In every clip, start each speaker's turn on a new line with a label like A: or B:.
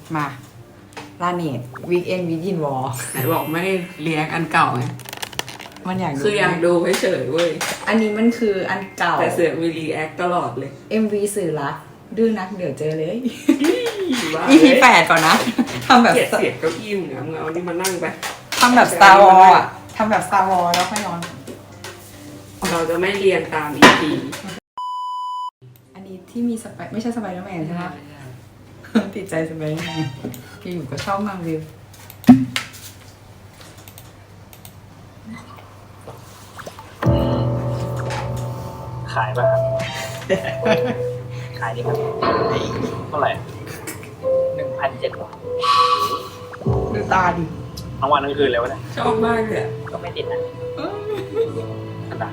A: มาลาเนตวีคเอนวิดินวอล
B: ไหนบอกไม่เรียกอันเก่าไง
A: มันอยากดู
B: คืออยากดูเฉยๆเว้ย
A: อันนี้มันคืออันเก่า
B: แต่เสือกมีรีแอคตลอดเลย
A: MV สื่อรักดื้อนักเดี๋ยวเจอเลย
B: ว่า
A: EP 8ก่อนนะ ทำแบบ
B: เกลียดเสียงเก้าอี้มึงเอาเอานี่มานั่งไป
A: ทำแบบ Star Wars อ่ะทำแบบ Star Wars แล้วค่อยนอน
B: เราจะไม่เรียนตาม EP
A: อันนี้ที่มีสไปไม่ใช่สไปเดอร์แมนใช่ไหม ติดใจสไปเดอร์แมนพี่อยู่ก็ชอบมากวิว
C: ขายป่ะครับ ขายดีครับเท่าไหร่ 1,700 บาท
A: ดูตาดิ
C: ทั้งวันทั้งคืนเลยวะเนี่ย
B: ชอบมากเลยอะ
C: ก็ไม่ติดนะกระดาษ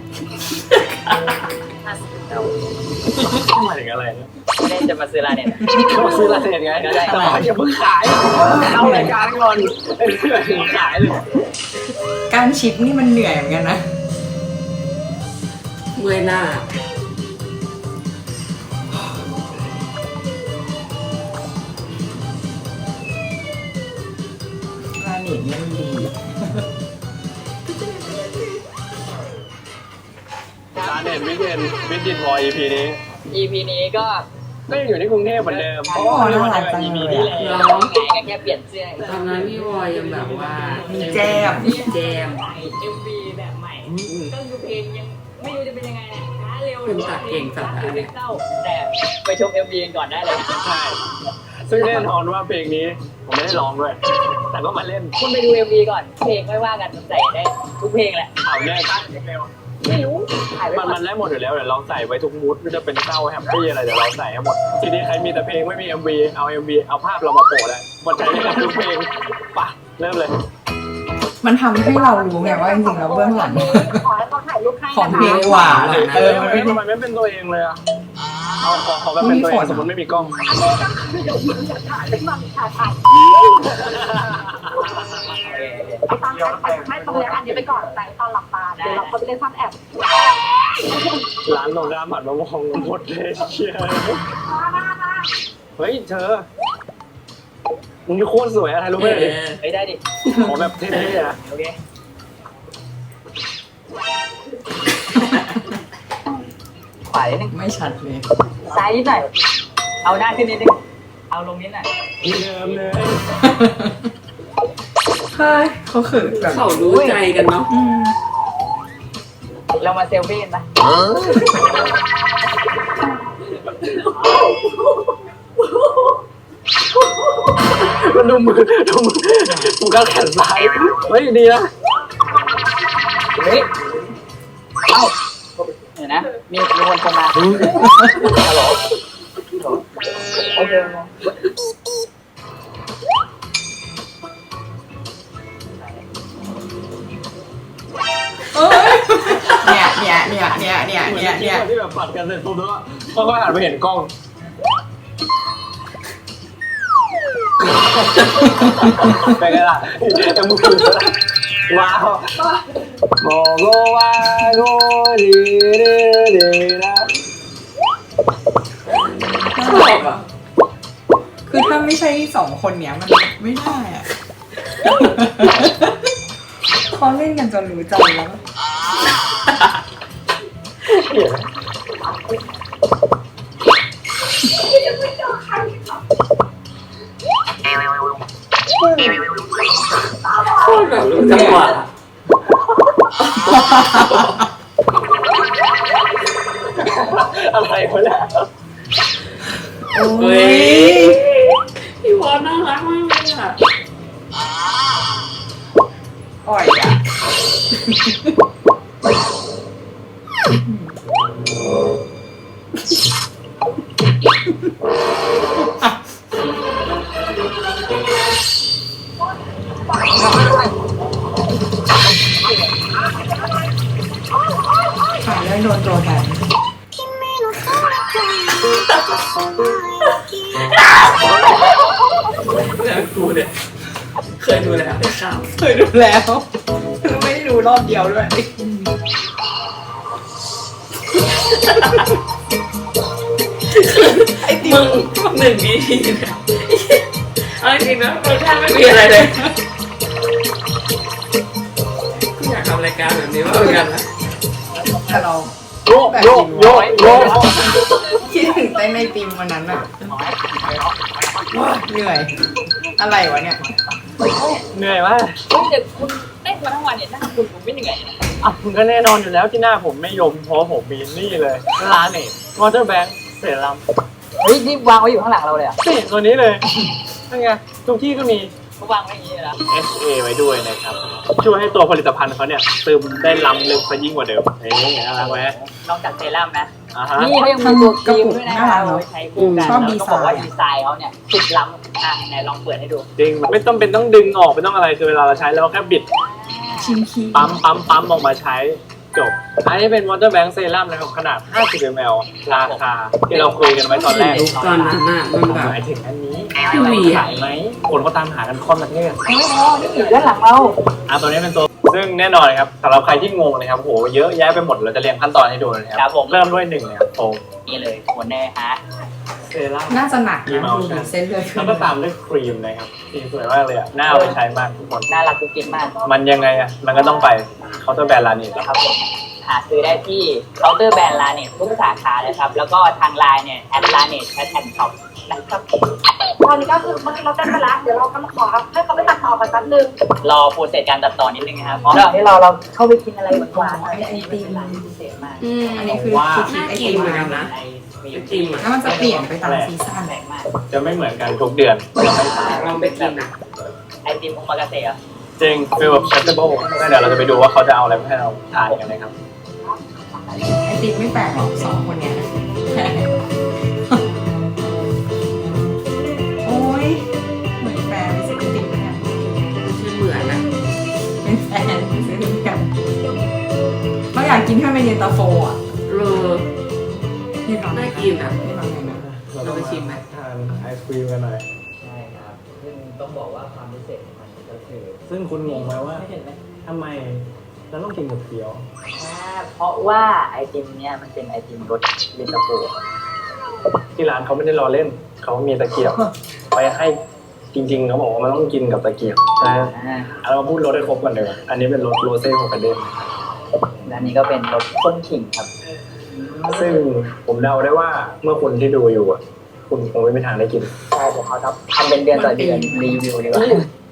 C: 50 หมายถึงอะไรเนี่ย
D: ไม่ได้จะมาซื้อร้านเนี่ย
C: ก็ซื้อลาเซนไงแต่ว่าอย่าเพิ่งขายเอารายการก่อนขายเลย
A: การชิปนี่มันเหนื่อยเหมือนกันนะ
B: เมื่อยหน้า
A: ลาเนตเนี่ยมันดี
C: ร้านเด่นวิเดนวิดินวอ EP นี้
D: EP นี้ก็
C: ก็ยังอยู่ที่กรุงเทพเหมือนเดิมเพราะว่าวันเดียว EP ที่แล้ว
D: ร้องไงก็แค่เปลี่ยนเสื้อ
B: ตอนนั้นพี่วอยยังแบบว่า
A: มีแจม
B: แจม
D: ใหม่ MV แบบใหม่ก็คือเพลงยังไม่รู้จะเป็นยังไงนะช้าเร็ว
B: คุณตัดเก่งสัตว์นะเนี่ย
D: เศร้าแต่ไปชม MV กันก่อนได้เลยนะ
C: ใช่ซึ่งแน่นอนว่าเพลงนี้ผมไม่ได้ร้องด้วย แต่ก็มาเล่น
D: คุณไปดู MV ก่อนเพลงไม่ว่ากันใส่ได้ทุกเพลงแหละ
C: เอาแน่ตั้งเร็ว
D: ไม่รู้ถ่ายไว้
C: มัน
D: ก่อ
C: มัน นได้หมดอยู่แล้วเดี๋ยวเราใส่ไว้ทุกมูดไม่ว่าจะเป็นเศร้าแฮปปี้อะไรเดี๋ยวเราใส่ให้หมด ทีนี้ใครมีแต่เพลงไม่มี MV เอา MV เอาภาพเรามาโปะเลยมันใช้ได้กับทุกเพลงไปะเริ่มเลย
A: มันทำให้เรารู้ไงว่าจริงๆแล้วเบื้องหลัง
D: ขอให้เขาถ่ายรูปให้
A: ของ
D: นะ
A: เพลง
D: คะ
A: หวานอะมันไม่
C: ทำไม
A: ได้
C: ไม่เป็นตัวเองเลยอ่ะเอาขอแบบเป็นตัวเองสมมติไม่มีกล้อง
E: ตอนไม่ตรงนี้อันนี้ไปก่อนแต่ตอนหลับตาเดี๋ยวเราเขาไปเล่นซ่อนแอบ
C: ร้านตรงข้ามหันมามองหมดเลยเชียเฮ้ยเธอมึงโคตรสวยอะไรรู้ไหม
D: เฮ้ยได้ดิ
C: ขอแบบเท่ๆนะ
D: โอเคขวานิดนึง
A: ไม่ชัดเลย
D: ซ้ายนิดหน่อยเอาหน้าขึ้นนิดนึงเอาลงนิดหน่อย
C: ที่เดิมเลย
A: เฮ้ยเขาเขินแบบ
B: เขารู้ใจกันเนาะ
D: เรามาเซลฟี่กันปะ
C: มันดูมือดูการแขนซ้ายเฮ้ยดีนะ
D: เฮ้ยเอ้าเดี๋ยวนะมีคนโทรมาฮัลโหลโอเค
A: เนี่ย
C: ที่แบบปัดกันเสร็จปุ๊บแล้วก็ค่อยหันไปเห็นกล้องเป็นไงล่ะยังมือว้าวโมโกวาโกดีดีนะ
A: ชอบอ่ะ คือถ้าไม่ใช่สองคนเนี้ยมันไม่ได้อ่ะ เขาเล่นกันจนรู้ใจแล้ว
B: โคตรแบบรู้จังหวะ
C: อะไรวะเนี่ย
A: โอ้
B: เฮ้
A: ย
B: ยพี่วอน่ารักมากเลยอ่ะ
A: อ่อยอ่ะ ถ่ายเรื่องโดนตัวกัน
B: แล้วกูเนี่ยเคยดูแล้วข่าว
A: เคยดูแล้วคือไม่ได้ดูรอบเดียวด้วย
B: ไอ้มึง1 EPเนี่ยเอาจริงๆนะรสชาติไม่มีอะไรเลยกูอยากทำรายการแบบนี้มากเหมือนกันนะ
A: แต่เรา
C: โยกโยกโยกโยก
A: คิดถึงเต้นในติมวันนั้นอะว้าเหนื่อย อะไรวะเนี่ย
C: เหนื่อยมาก
D: เดี๋ยวคุณเต้นมาทั้งวันเนี่ยหน้าคุณผมไม่เหนื่อยนะ
C: อ่ะคุณก็แน่นอนอยู่แล้วที่หน้าผมไม่ยมเพราะผมมีนี่เลยร้านเนี่ยวอเตอร์แบงค์เซรั่ม
D: เฮ้ยนี่วางไว้อยู่ข้างหลังเราเลยอ่ะ
C: นี่ตัวนี้เลยนี่ไงทุกที่ก็มี
D: เขาวางไว้อย่างนี้เลยนะ
C: SA ไว้ด้วยนะครับช่วยให้ตัวผลิตภัณฑ์เขาเนี่ยซึมได้ล้ำลึกซะยิ่งกว่าเดิมนี่น่ารักไหม
D: นอกจากเซรั่มนะ
C: อ่าฮะ
D: นี่เขายังมีตัวครีมด้วยนะครับเอาไว้ใช้คู่กัน
A: ชอบ
D: แล้ว
A: ดี
D: ก็
A: ไซ
D: บอกว่า
A: น์
D: ดีไซน์เขาเนี่ยสุดล้ำไหนลองเปิดให้ดู
C: จริงไม่ต้องเป็นต้องดึงออกไม่ต้องอะไรคือเวลาเราใช้เราแค่บิด
A: ชิมคี
C: ปั๊มออกมาใช้จบอันนี้เป็นวอเตอร์แบงค์เซรั่มนะครับขนาด 50 ml ราคาที่เราคุยกันไว้ตอนแรก
B: ตอนนั้นน่ะมันแบบ
C: หมายถึงอันนี้
B: พี่วีอะ
C: ขายไหมคนก็ตามหากันค่อนประเทศ
D: โอ้โหนี่อยู่ด้านหลังเรา
C: ตัวนี้เป็นตัวซึ่งแน่นอนครับสำหรับใครที่งงนะครับโหเยอะแยะไปหมดเราจะเรียงขั้นตอนให้ดูนะค
D: ครั
C: รั
D: บบ ผม
C: เริ่มด้วย1นะครับโฟม
D: นี่เลยโคนแน่ฮะ
C: เซรั่ม
A: น่าจะหนักนะ
C: มีเมาส์
A: ดูดิเส้นเลือดขึ้
C: แล้ว
A: น
C: ก็ตามด้วยครีมนะครับสีสวยมากเลยอ่ะน่าเอาไปใช้มากทุกคน
D: น่ารักกุ๊กกิ๊กมาก
C: มันยังไงอ่ะมันก็ต้องไปเคาน์เตอร์แบรนด์ร้านนี้แล้ว
D: นะครับผมหาซื้อได้ที่เคาน์เตอร์แบรนด์ลาเน็ตทุกสาขาเลยครับแล้วก็ทางไลน์เนี่ยแอดลาเน็ตแอดแอนด์ช็อปนะครับ
E: ตอนนี้ก็คือเมื่อกี้เราเต้นไปแล้วเดี๋ยวเรากำลังขอให้เขาไปตัดต่อกันแป๊บนึง
D: รอโปรเซสการตัดต่อนิดนึงนะครับระหว่างที่เราเข้าไปกินอะไรหวานๆอันนี้เป็นร้านพิเศษมาก
A: อันนี้คือคิดไอติม
B: เหมือนกั
A: มาน
B: นะ
D: ไอ
B: ไอติมอะ
A: แล้วมันจะเปลี่ยนไปตามซีซั่น
D: แปลกมาก
C: จะไม่เหมือนกันทุกเดือน
B: ลองไปกินอ่ะ
D: ไอติมโอมากาเสะอ่ะ
C: จริงฟีลแบบ shareable งั้นเดี๋ยวเราจะไปดูว่าเขาจะเอาอะไรมาให้เราทานกันนะครับ
A: ไอติมไม่แปลกหรอกสองคนเนี้ยโอ้ยเหมือนแฟนไปซื้อไอติมเนี่ย
B: ไม่เหมือนอ่ะ
A: เป็นแฟนไปซื้อไอติมกันเขาอยากกินแค่เป็นเย็นตาโฟอ่ะ
B: โร
A: นี่ทำ
B: น่ากินอ่ะ
A: นี่ทำไงนะ
B: เราไปชิมไหม
C: ทานไอศครีมกันหน่อย
D: ใช่ครับซึ่งต้องบอกว่าความพิเศษของมันก็คือ
C: ซึ่งคุณงงไหมว่า
D: เห็นไหม
C: ทำไมเราต้องกินกับเกี๊ยว
D: เพราะว่าไอติมเนี่ยมันเป็นไอติมรสเย็นตาโฟ
C: ที่ร้านเขาไม่ได้รอเล่นเขามีตะเกียบไปให้จริงๆเขาบอกว่ามันต้องกินกับตะเกียบนะเรามาพูดรสให้ครบกันเลยอันนี้เป็นรสโรเซ่ของกระเด็น
D: และนี่ก็เป็นรสข้นขิงครับ
C: ซึ่งผมเดาได้ว่าเมื่อคุณที่ดูอยู่อ่ะคุณคงไม่มีทางได้กิน
D: ใช่เดี๋ยวเขาทำเป็นเดือนต่อเดือนรีวิวดีกว่า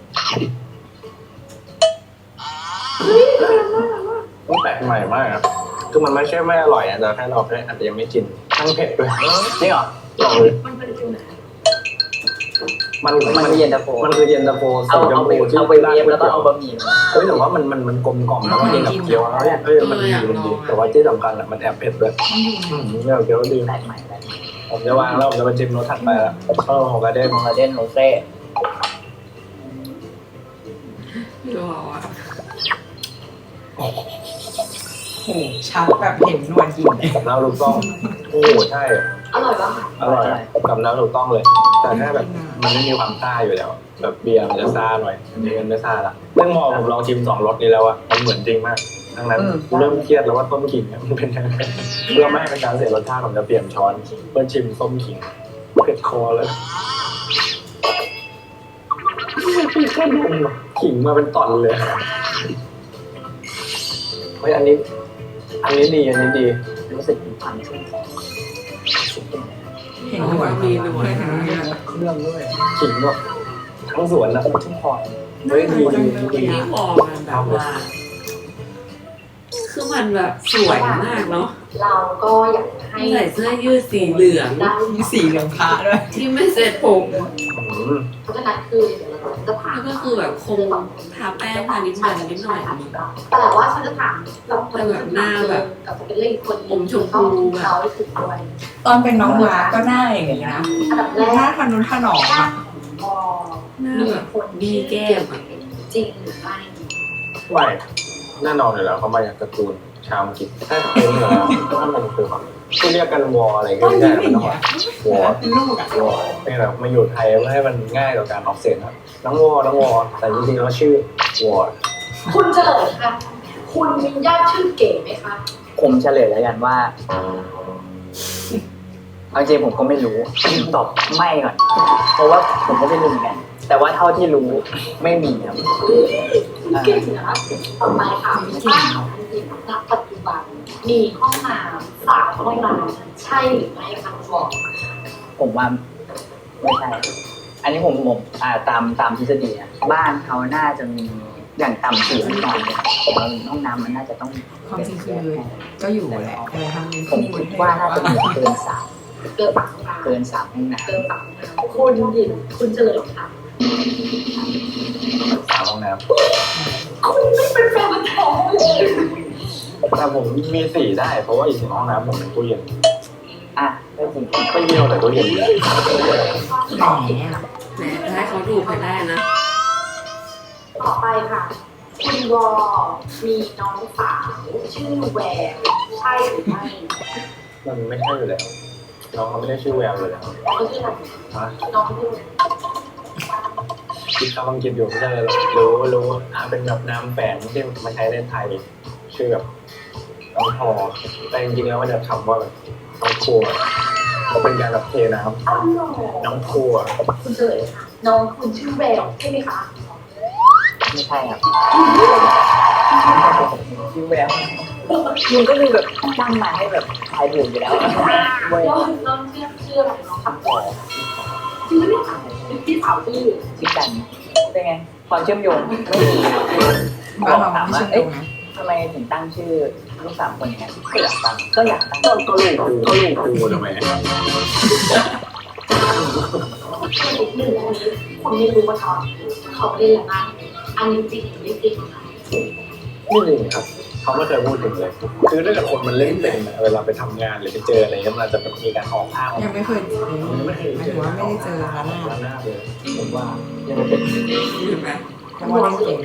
C: มันแปลกใหม่มากครับคือมันไม่ใช่ไม่อร่อยอ่ะแต่แค่เราแค่อาจจะยังไม่กินทั้งเผ็ดด้วย
D: จริงเหรอ
C: ลองเลย
E: มันเป็นฟิลไหน
C: มัน
D: มันคือเย็นตาโฟ
C: มันคือเย็นตาโฟ
D: เอา
C: สีชม
D: ไป
C: พูที่
D: เอาไปเวฟแล้วก็เอาบะหมี่ลงมา
C: เฮ้ยแต่ว่ามันกลมกล่อมแล้วก็กินกับเกี๊ยวแล้วเนี่ยมันดีมันดีแต่ว่าที่สำคัญอ่ะมันแอบเผ็ดด้วยเนี่ยเกี๊ยวดี
D: แปลกใหม่แปลกใหม่
C: ผมจะวางแล้วผมจะไปจิ้มรสถัดไปละข้าวของกระเด้น
D: โมเดนโรเซ่
B: รออ่ะ
A: โอ้โหชัดแบบเห็นนวลกินเลย
C: กับน้ำลูกต้องโอ้โหใช่
E: อร่อยปะ
C: อร่อยกับน้ำถูกต้องเลย แต่แค่แบบมันไม่มีความซ่าอยู่แล้ว แบบเบียร์มันจะซ่าหน่อยอันนี้มันไม่ซ่าละเรื่องมอผมลองชิม2รสนี้แล้วอะมันเหมือนจริงมากดังนั้นเริ่มเครียดแล้วว่าต้มขิงเนี่ยมันเป็นยังไงเพื่อไม่ให้เป็นการเสียรสชาติผมจะเปลี่ยนช้อนเพื่อชิมส้มขิงเผ็ดคอเลยก็ดมขิงมาเป็นตอนเลยเฮ้ยอันนี้ดีอันนี้ดี
D: รู้สึกมีความชุ่มคอ
A: เห็นนวลมีนวลเห็นนวล
C: เครื่องด้วยขิงแบบทั้งสวนอะ
D: ชุ่มคอ
C: เฮ้ยดีดี
B: ที่พอมันแบบว่า คือมันแบบสวยมากเนาะ
E: เราก็อยากให้
B: ใส่เสื้อยืดสีเหลือง
E: ได้
A: มีสีเหลืองพระด้วย
B: ที่ไม่เสร็จผม
E: เพราะฉะนั้นคือเดี๋ยวเราจะถาม
B: แล้วก็คือแบบคงทาแป้งทานิดหน่อยนิดหน่อย
E: แต่ว่าฉันจะถามเราคน
B: แบบหน้าแบบ
E: กับสเปนเล่คน
B: อมชมพูแบบ
E: เขาถึงด้วย
A: ตอนเป็นน้องมาก็หน้าอย่างนี้นะ
E: อันดับแร
A: หน้าก ทะนุถนอมอ่ะ
E: พอ
B: หน้าแบบดีแก้มอ่ะ
E: จริงหรือไม่
C: ไม่แน่นอนอยู่แล้วเขามาจากการ์ตูนชาวอังกฤษถ้าเป็นเหรอถ้ามันคือแบบที่เรียกกันวออะไรก็
A: ต้อง
C: ไม่
A: ยิ้
C: ได้
A: มอ
C: มัน
A: ย่าง
C: ต้อง
A: เงี้
C: แบ
A: ย
C: บวอ
A: เป็นลูกอ่ะ
C: วอเป็นแบบมาอยู่ไทยเพื่อให้มันง่ายต่อการออกเสียงครับน้องวอแต่จริงๆแล้วชื่อวอ
E: คุณเฉลยค่ะ คุณมีญาติชื่อเก๋ไหมคะ
D: ผมเฉลยแล้วกันว่าเอาจริงผมก็ไม่รู้ตอบไม่ก่อนเพราะว่าผมก็ไม่รู้เหมือนกันแต่ว่าเท่าที่รู้ไม่มีครับ
E: เก่งนะคะต่อไปค่ะบ้านของคุณจิ๋มณปัจจุบันมีห้องน้ำ3 ห้องน้ำใช่หรือไม่คะบอก
D: ผมว่าไม่ใช่ อันนี้ผมตามทฤษฎีนะบ้านเขาน่าจะมีอย่างต่ำ4 ห้องนอนเนี่ยผมว่าห้องน้ำมันน่าจะต้อง
A: ความจริงคือก็อยู่แหละทำเป็น
D: ผม
A: ที่
D: คิดว่าน่าจะมีเกิน3
E: เกิน3 ห้องน้ำ
D: เกิน3 ห้องน้
E: เกิน3 ห้องน้ำคุณจิ๋มคุณเฉลยค่ะ
C: 3 ห้องน้
E: คุณไม่เป็นแฟนมันท้องเลย
C: ำแต่ผมมี4ได้เพราะว่าอีก1 ห้องน้ำผมเป็นตู้เย็น
D: ำอ่ะก็จริง
C: ไม่เดียวแต่ตู้เย็นเลย
A: แหม
B: แหมจะให้เขาถูกไปได้นะ
E: ต่อไปค่ะคุณวอมีน้องสาวชื่อแววใช่หรือไม่
C: มันไม่ใช่อยู่แล้วน้องเขาไม่ได้ชื่อแววเลยแล้ว
E: น้องชื่ออะไร
C: ฮะ
E: น้องชื่อ
C: คิดคำอังกฤษอยู่ไม่ใช่เลยหรอกรู้เป็นแบบนามแฝงที่มาใช้ในไทยชื่อแบบน้องพอแต่จริงๆแล้วมันจะคำว่าแบบน้องครัวก็เป็นการแบบเทน้
E: อ้าว
C: ำน้องครัว
E: คุณเฉลยค่ะน้องคุณชื่อแววใช่ไหมคะ
D: ไม่ใช่ครับชื่อแววมันก็คือแบบตั้งมาให้แบบทายถูกอยู่แล้วเว้ย
E: น้องชื่ออะไรน้องคำตอบชื่อไม่ถามพี่สาวชื่อ
D: ชื่อกันเป็นไงความเชื่อมโยงไม่มี
A: บ้านเราไม่ใช่ตรงนะ
D: ทำไมถึงตั้งชื่อลูก3 คนอย่างนั้นก็อยากตั้ง
C: ก็ลูกครูทำไม
E: อีกหนึ่งอันนี้คนไม่รู้ว่าเขาเล่นอะไรบ้างอันนี้จริงหรือไม่จริงคะ
C: ไม่จริงครับเขาไม่เคยพูดถึงเลย คือถ้าเกิดคนมันเล่นเป็นเวลาไปทำงานหรือไปเจออะไรก็มันจะมีการออกอ้าง
A: ยังไม่เคยเจอหมายถึงว่าไม่ได้เจอร้านหน้า
C: ล้างหน้าเลยผมว่ายังไม่เป็น
B: เห็นไหม
A: เพราะว่าเล่นเก่ง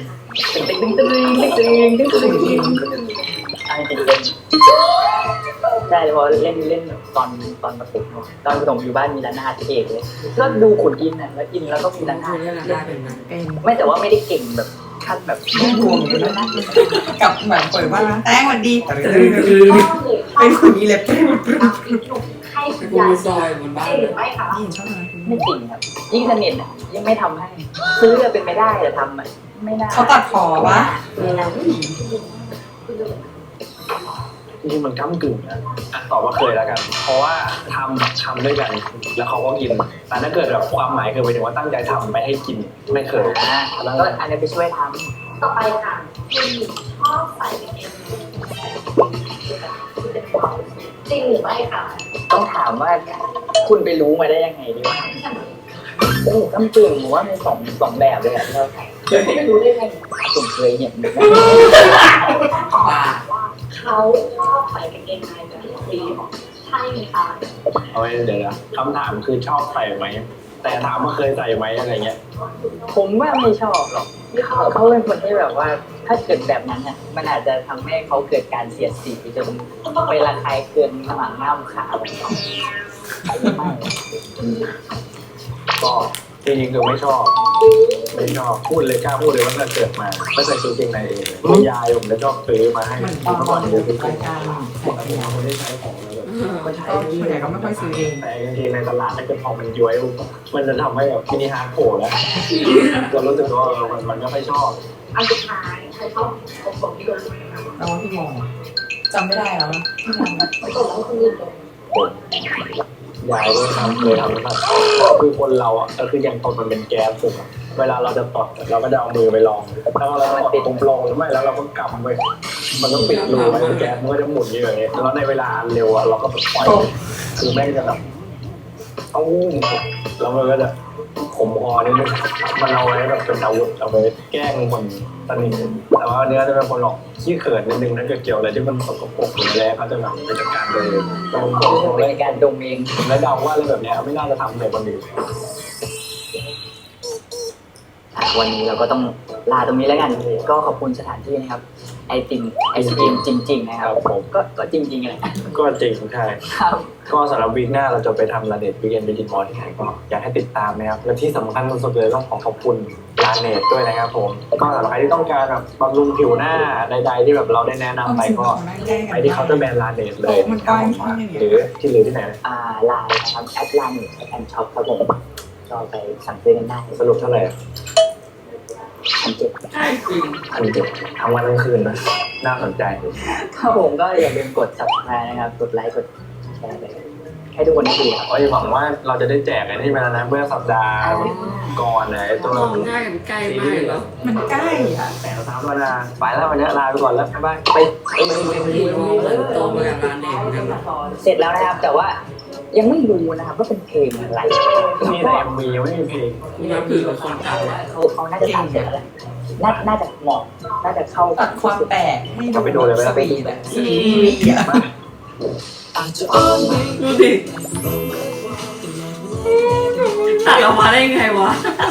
D: อันจริงเป็นใช่เพราะเล่นแบบตอนประถมตอนประถมอยู่บ้านมีระนาดเอกเลยก็ดูขุนกินน่ะแล้วกินแล้วก็มีระนา
B: คุ
D: ด
B: ณเล่นได้เป็นไหม
A: เป็น
D: ไม่แต่ว่าไม่ได้เก่งแบบขั้นแบบ
A: ไม่รวมเลยนะกับแบบเปิดบ้านร้านแต้งวันดี
E: ก็เลย
A: เป็นคนนี้เล็บ
E: ให้คุ
B: เป็น
E: ณ
B: คุณ
E: ยาย
B: มีซอยบนบ้าน
E: ใช่หรือไม่คะ
A: นี่ชอบนะ
D: ไม่จริงครับยิ่งสนิทอ่ะยิ่งไม่ทำให้ซื้อจะเป็นไม่ได้แต่ทำอ่ะไม่น่า
A: เขาตัดคอวะ
E: คุณเฉลย
C: จริงๆมันก้ากึ่งนะตอบว่าเคยแล้วกัน เพราะว่าทำด้วยกัน แล้วเขาก็กิน แต่ถ้าเกิดแบบความหมายคือหมายถึงว่าตั้งใจทำไปให้กินไม่เคย
D: ก็อันนี้ไปช่วยท
E: ต่อไปค่ะคุณชอบใส่กางเกงจริงหรือไม่คะ
D: ำต้องถามว่าคุณไปรู้มาได้ยังไงดีวะโอ้กำกึ่งผมว่ามีสองแบบเลยอ่ะที่เราใส่
E: ไม่รู้ได้ไง
D: ผมเคยเห็นนะ
B: ป่า
E: เขาชอบใส่กางเกงในแบบฟรีใช่ไหมคะ
C: เอาไว้เดี๋ยวนะคำถามคือชอบใส่ไหม แต่ถามว่าเคยใส่ไหมอะไรเงี้ย
D: ผมว่าไม่ชอบหรอกเขาเป็นคนที่แบบว่าถ้าเกิดแบบนั้นอ่ะมันอาจจะทำให้เขาเกิดการเสียดสีจนไประคายเคืองหลังง่ามขาไม่
C: ก็จริงๆคือไม่ชอบพูดเลยกล้าพูดเลยว่าตั้งแต่เกิดมาไม่ใส่ชุดเกงในเองเลยยายผมจะชอบซื้อมาให้
A: มันต
C: เมื่
A: อน
C: อก่อนเดี๋ยวซื้อ
A: รายการ
C: ปกติเราไม่ได้ใช้ของแล้วแบบ
A: ก็ส่วนใหญ่ก็ไม่ค่อยซื้อเอง
C: แต่จริงๆในตลาดถ้าเกิดพอมันย้วยมันจะทำให้แบบมินิฮาร์ดโผล่แล้วเรารู้สึกว่ามันไม่ค่อยชอบ
E: อันสุดท้ายใครชอบผมที่โดน
A: แล้วว่าพี่มองจำไม่ได้แล้วพี่มอง
E: ตกแล้วคนอื่นโดน
C: ยายเลยทำนะครับคือคนเราอ่ะก็คือยังตดมันเป็นแก๊สถูกไหมเวลาเราจะตดเราก็จะเอามือไปลองถ้าเราตดตรงปลงหรือไม่แล้วเราก็กำไปมันก็ปิดรูไว้แก๊สมันก็จะหมุนอยู่อย่างเงี้ยแล้วในเวลาเร็วอ่ะเราก็ปล่อยคือแม่งจะแบบเอาแล้วมันก็จะขมคอนิดนึงมันเอาไว้แบบเป็นอาวุธเอาไว้แกล้งคนสนิทแต่ว่าเนื้อจะเป็นคนหลอกขี้เขินนิดนึงถ้าเกิดเกี่ยวอะไรที่มันสกปรกหรืออะไรเขาจะแบบไปจัดการเลยตรง
D: เป็นการดมเอง
C: แล้วเดาว่าอะไรแบบเนี้ยไม่น่าจะทำในคนอื่น
D: วันนี้เราก็ต้องลาตรงนี้แล้วกัน ก็ขอบคุณสถานที่นะครับไอติมจริงๆนะครับ
C: ผม
D: ก็จริงๆแหละ
C: ก็จริงใช่
D: ครับ
C: ก็สำหรับวีคหน้าเราจะไปทำลาเนตวีเอนไปดินมอลที่ไหนก็อยากให้ติดตามนะครับและที่สำคัญสุดๆเลยต้องขอบคุณลาเนตด้วยนะครับผมก็สำหรับใครที่ต้องการแบบบำรุงผิวหน้าใดๆที่แบบเราได้แนะนำไปก็ไปที่เคาน์เตอร์แบรนด์ลาเนตเลย
A: มันกว้างแค่ไหน
C: หรือที่ไหน
D: ไลน์นะครับแอดไลน์แอนช็อปครับผมก็ไปสั่งซื้อกันได้
C: สรุปเท่าไหร่
D: 1,700
B: ใช่จริง
C: 1,700ทั้งวันทั้งคืนนะน่าสนใจ
D: ครับผมก็อย่าลืมกด subscribe นะครับกดไลค์กดแชร์ไปให้ทุกคนได้ดูครับ
C: ก็จะหวังว่าเราจะได้แจกไอ้นี่ไปแล้วนะเมื่อสัปดาห์ก่อนนะไอ้ตัว
B: มองหน้ากันใกล้มากแล้ว
A: มันใกล้อ่ะ
C: แต่ละ3 สัปดาห์ไปแล้ววันนี้ลาไปก่อนแล้วบ๊ายบายไป
B: โตมากับร้านเด็กกัน
D: เสร็จแล้วนะครับแต่ว่ายังไม่รู้นะครับว่าเป็นเพลงอะไร
C: มีแต่ MV ยังไม่มีเพลง
B: คุณน้ำผือเป็นคนตัดแหละ
D: เขาน่าจะตัดเสร็จแล้วแหละน่าจะเหมาะน่าจะเข้า
A: ตัดความแปลกให้
C: กลับไปดูเลยไหม
A: ส
C: ล่ะ
A: วีทอะสวีทอะ
B: ดูดิตัดออกมาได้ไงวะ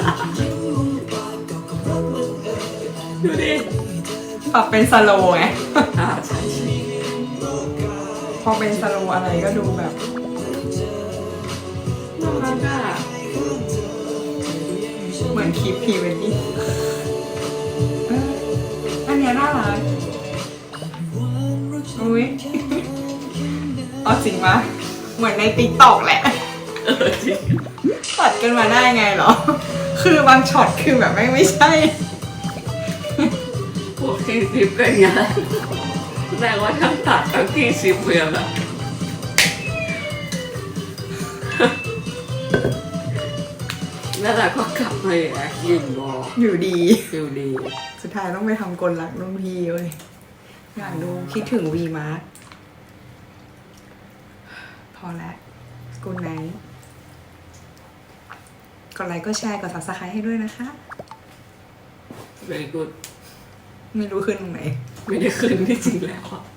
B: ดูดิ
A: ปรับเป็นสโลว์ไง
B: ใช่ใช่
A: พอเป็นสโลว์อะไรก็ดูแบบ
B: น่ารักอ่ะ
A: เหมือนคลิปพรีเวดดิ้งอันเนี้ยน่ารักอุ้ยเอาจริงปะเหมือนในติ๊กต็อกแหละ
B: จริง
A: ตัดกันมาได้ไงเหรอ คือบางช็อตคือแบบไม่ใช่
B: พวกที่ซิปกันอย่างแสดงว่าทั้งตัดทั้งที่ซิปเมืองอะแล้วเราก็กลับมาแอคยินบอก
A: อยู่ดี
B: ฟิลดี
A: สุดท้ายต้องไปทำกลรักรุ่นพี่เว้ย อยากดูคิดถึงวีมาร์พอแล้วกูไนท์กดไลค์ก็แชร์กด subscribe ให้ด้วยนะคะ
B: very good
A: ไม่รู้ขึ้นตรงไหน
B: ไม่ได้คืนที่จริงแล้วอะ